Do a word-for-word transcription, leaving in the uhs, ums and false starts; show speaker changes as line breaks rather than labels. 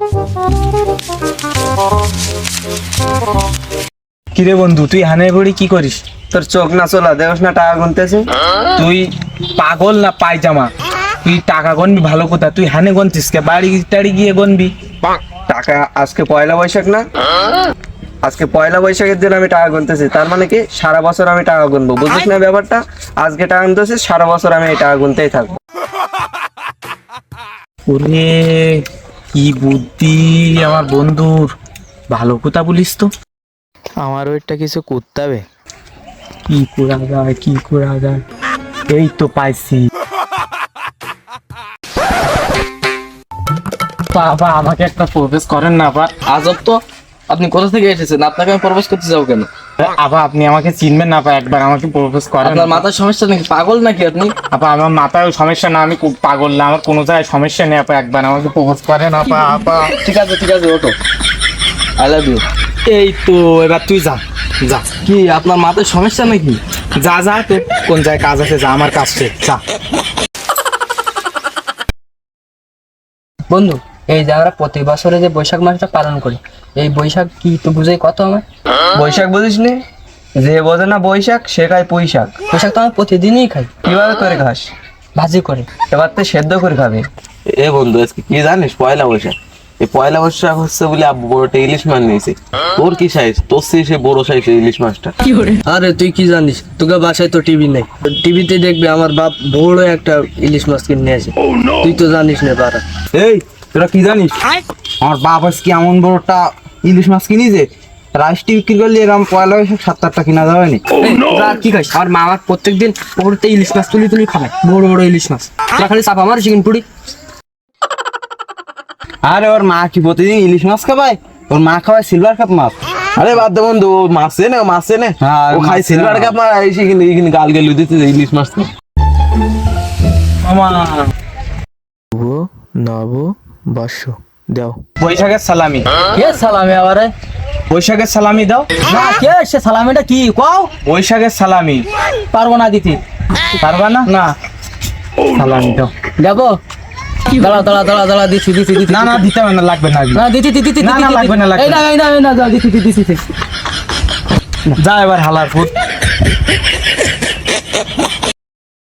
কিরে বন্ধু, তুই হানে ঘড়ি কি করিস?
তোর চোখ না চলা দেখোস না টাকা গুনতেছে?
তুই পাগল না পায়জামা? তুই টাকা গনবি ভালো কথা, তুই হানে গনতিস কে? বাড়ি টাড়ি গিয়ে গনবি।
টাকা আজকে পয়লা বৈশাখ না, আজকে পয়লা বৈশাখের দিন আমি টাকা গুনতেছি, তার মানে কি সারা বছর আমি টাকা গুনবো, বুঝিস না ব্যাপারটা? আজকে টাকা গুনতেছি, সারা বছর আমি এই টাকা গুনতেই থাকবো।
ওরে কি বুদ্ধি আমার বন্ধুর, ভালো কথা বলিস তো। আমার ওইটা কিছু করতে হবে, কি করা যায় কি করা যায়, এই তো পাইছি। বাবা আমাকে একটা প্রপোজ করেন না বা।
আজব তো, আপনি কোথা থেকে এসেছেন? আপনাকে আমি প্রপোজ করতে যাবো কেন?
আপা আপনি আমাকে চিনবেন না আপা, একবার আমাকে প্রপোজ করেন।
আপনার মাথার সমস্যা নাকি? পাগল নাকি আপনি?
আপা আমার মাথায় সমস্যা না, আমি খুব পাগল না, আমার কোনো জায়গায় সমস্যা নেই আপা, একবার আমাকে প্রপোজ করেন আপা। আপা
ঠিক আছে ঠিক আছে, ওঠো, আই লাভ ইউ।
এই তো এবার তুই যা যা।
কি আপনার মাথায় সমস্যা নাকি?
যা যা, তোর কোন জায়গায় কাজ আছে যা, আমার কাজ শেষ, যা।
বন্ধু, এই যে আমরা প্রতি বছরে যে বৈশাখ মাসটা পালন করি, এই বৈশাখ কি তো বুঝাই কত আমার?
বৈশাখ বুঝিস নি? যে বোঝে না বৈশাখ সে খায় পুঁই শাক।
বৈশাখ তো আমি প্রতিদিনই খাই।
কিভাবে করে খাস?
ভাজি করে।
এবার তো সেদ্ধ করে খাবে।
এ বন্ধু আজকে কি জানিস? পয়লা বৈশাখ। এই পয়লা বৈশাখ হচ্ছে বলে আব্বু বড়টা ইলিশ মাছ নিয়েছে। তোর কি সাইজ? তোর সে বড় সাইজ ইলিশ মাছটা।
আরে তুই কি জানিস, তোকে বাসায় তো টিভি নেই, টিভিতে দেখবে আমার বাপ বড় একটা ইলিশ মাছ কিনে আছে। তুই তো জানিস না বারা।
এই তোরা কি জানিস? আমার বাপ আজকে এমন বড়টা ইলিশ মাছ কিনেছে, রাইসটি বিক্রি করলে এরকম পয়লা বৈশাখ সাত আটটা কিনা যাবে।
তোরা কি খাইস? আমার মা আমার প্রত্যেকদিন পুকুরতে ইলিশ মাছ তুলি তুলি খাবে, বড় বড় ইলিশ মাছ। তোরা খালি চাপা আমার চিকেন পুরি।
আরে ওর মা কি প্রতিদিন ইলিশ মাছ খাবায়? ওর মা খাওয়ায় সিলভার কাপ মাছ। আরে বাদ দে বন্ধু, ও মাছ এনে মাছ এনে ও খাই সিলভার কাপ মাছ, এসে কিন্তু এখানে গাল গেলু দিতে ইলিশ মাছ।
আমার
নব বর্ষ দাও।
বৈশাখের সালামি।
কে সালামি আবার?
বৈশাখের সালামি দাও
না, কে সে সালামিটা কি কও?
বৈশাখের সালামি।
পারবো না দিতে।
পারবা না? না সালামি দাও।
যাবো? দাঁড়া দাঁড়া দাঁড়া দাঁড়া, দিচ্ছি দিচ্ছি দিচ্ছি।
না না দিতে হবে না, লাগবে না।
না দিচ্ছি দিচ্ছি দিচ্ছি।
না, না, লাগবে না, লাগবে
এই না এই না এই না, যা দিচ্ছি দিচ্ছি দিচ্ছি।
যা এবার হালার ফুট।